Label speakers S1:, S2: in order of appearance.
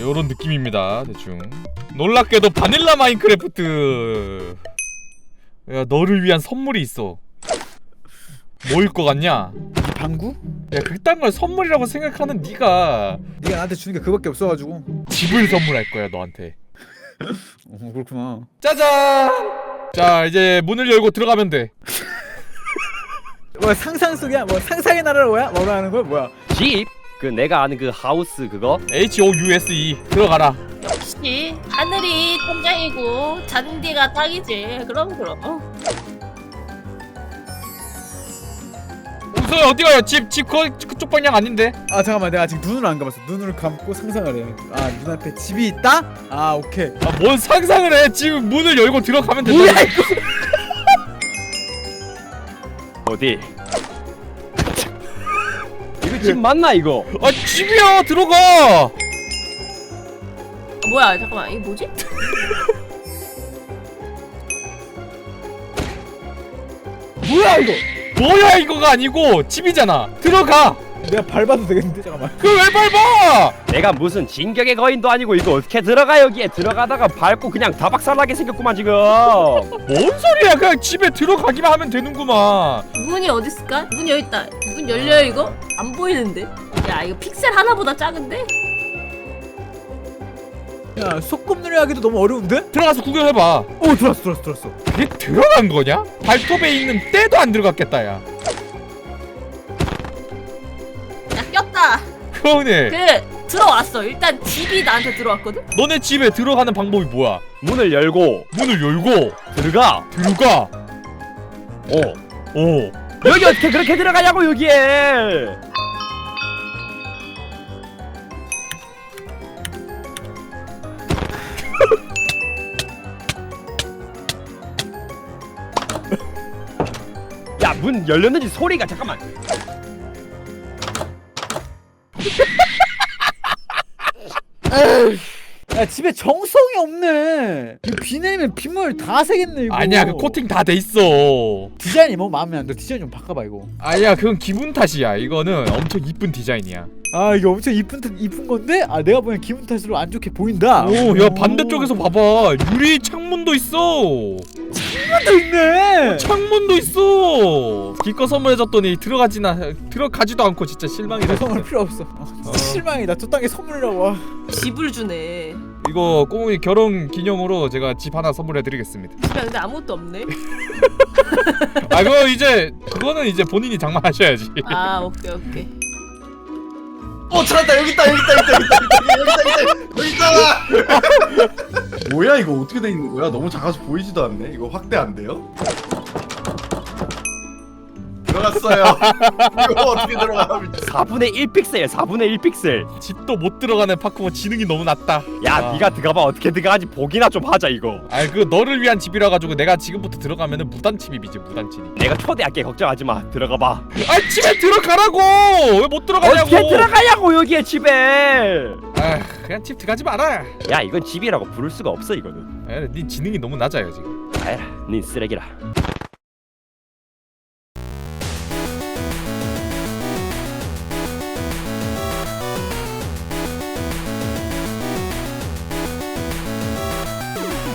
S1: 요런 느낌입니다. 대충 놀랍게도 바닐라 마인크래프트. 야, 너를 위한 선물이 있어. 뭐일 것 같냐?
S2: 방구?
S1: 야, 그딴 걸 선물이라고 생각하는 네가
S2: 나한테 주는 게 그밖에 없어가지고.
S1: 집을 선물할 거야 너한테.
S2: 그렇구나.
S1: 짜잔! 자, 이제 문을 열고 들어가면 돼.
S2: 뭐야, 상상 속이야? 뭐 상상의 나라로 뭐라 하는 거야? 뭐야?
S3: 집? 그 내가 아는 그 하우스 그거?
S1: HOUSE 들어가라.
S4: 역시 하늘이 천장이고 잔디가 땅이지. 그럼.
S1: 우선 어디가요? 집 그쪽 방향 아닌데?
S2: 아 잠깐만, 내가 아직 눈을 안 감았어. 눈을 감고 상상을 해. 아, 눈앞에 집이 있다? 아, 오케이.
S1: 아, 뭔 상상을 해? 지금 문을 열고 들어가면 된다.
S2: 뭐야 이거?
S3: 어디? 이거 집 맞나 이거?
S1: 아, 집이야. 들어가.
S4: 뭐야 잠깐만 이게 뭐지?
S2: 뭐야 이거?
S1: 뭐야 이거가 아니고 집이잖아. 들어가.
S2: 내가 밟아도 되겠는데? 잠깐만.
S1: 그걸 왜 밟아?
S3: 내가 무슨 진격의 거인도 아니고 이거 어떻게 들어가 여기에 들어가다가 밟고 그냥 다박살나게 생겼구만 지금.
S1: 뭔 소리야? 그냥 집에 들어가기만 하면 되는구만.
S4: 문이 어디 있을까? 문 여기 있다. 문 열려요 이거? 안 보이는데? 야 이거 픽셀 하나보다 작은데?
S2: 야, 소꿉 누리하기도 너무 어려운데?
S1: 들어가서 구경해봐.
S2: 오, 들어왔어.
S1: 그게 들어간 거냐? 발톱에 있는 때도 안 들어갔겠다, 야.
S4: 야 꼈다.
S1: 그러네.
S4: 들어왔어. 일단 집이 나한테 들어왔거든?
S1: 너네 집에 들어가는 방법이 뭐야?
S3: 문을 열고
S1: 문을 열고
S3: 들어가.
S1: 들어가. 오.
S3: 여기 어떻게 그렇게 들어가냐고 여기에. 야, 문 열렸는지 소리가 잠깐만.
S2: 야, 집에 정성이 없네. 이거 비 내리면 빗물 다 새겠네 이거.
S1: 아니야, 그 코팅 다 돼 있어.
S2: 디자인이 뭐 마음에 안 들어. 디자인 좀 바꿔봐 이거.
S1: 아니야, 그건 기분 탓이야. 이거는 엄청 이쁜 디자인이야.
S2: 아, 이게 엄청 이쁜 건데? 아, 내가 보기엔 기분 탓으로 안 좋게 보인다.
S1: 오, 야, 반대쪽에서 봐봐. 유리 창문도 있어.
S2: 창문도 있네.
S1: 창문도 있어. 기껏 선물해줬더니 들어가지도 않고 진짜 실망이다.
S2: 선물 필요 없어. 실망이다. 저 땅에 선물이라고. 와.
S4: 집을 주네.
S1: 이거 꼬뭉이 결혼 기념으로 제가 집 하나 선물해드리겠습니다.
S4: 집에 근데 아무것도 없네.
S1: 아, 그거는 이제 본인이 장만하셔야지.
S4: 아 오케이.
S5: 찾았다. 여기 있다. 여기 있잖아. 뭐야 이거 어떻게 돼 있는 거야? 너무 작아서 보이지도 않네. 이거 확대 안 돼요? 들어갔어요. 이거 어떻게 들어가?
S3: 4분의 1픽셀 4분의 1픽셀.
S1: 집도 못 들어가는 파쿠모 지능이 너무 낮다.
S3: 야,
S1: 아.
S3: 네가 들어가봐. 어떻게 들어가는지 보기나 좀 하자 이거.
S1: 아이, 그 너를 위한 집이라 가지고 내가 지금부터 들어가면은 무단 침입이지, 무단 침입.
S3: 내가 초대할게. 걱정하지 마. 들어가봐.
S1: 아, 집에 들어가라고. 왜 못 들어가냐고.
S3: 어떻게 들어가냐고 여기에 집에.
S1: 아, 그냥 집 들어가지 마라.
S3: 야, 이건 집이라고 부를 수가 없어 이거는.
S1: 아, 네 지능이 너무 낮아요 지금.
S3: 아야, 네 쓰레기라.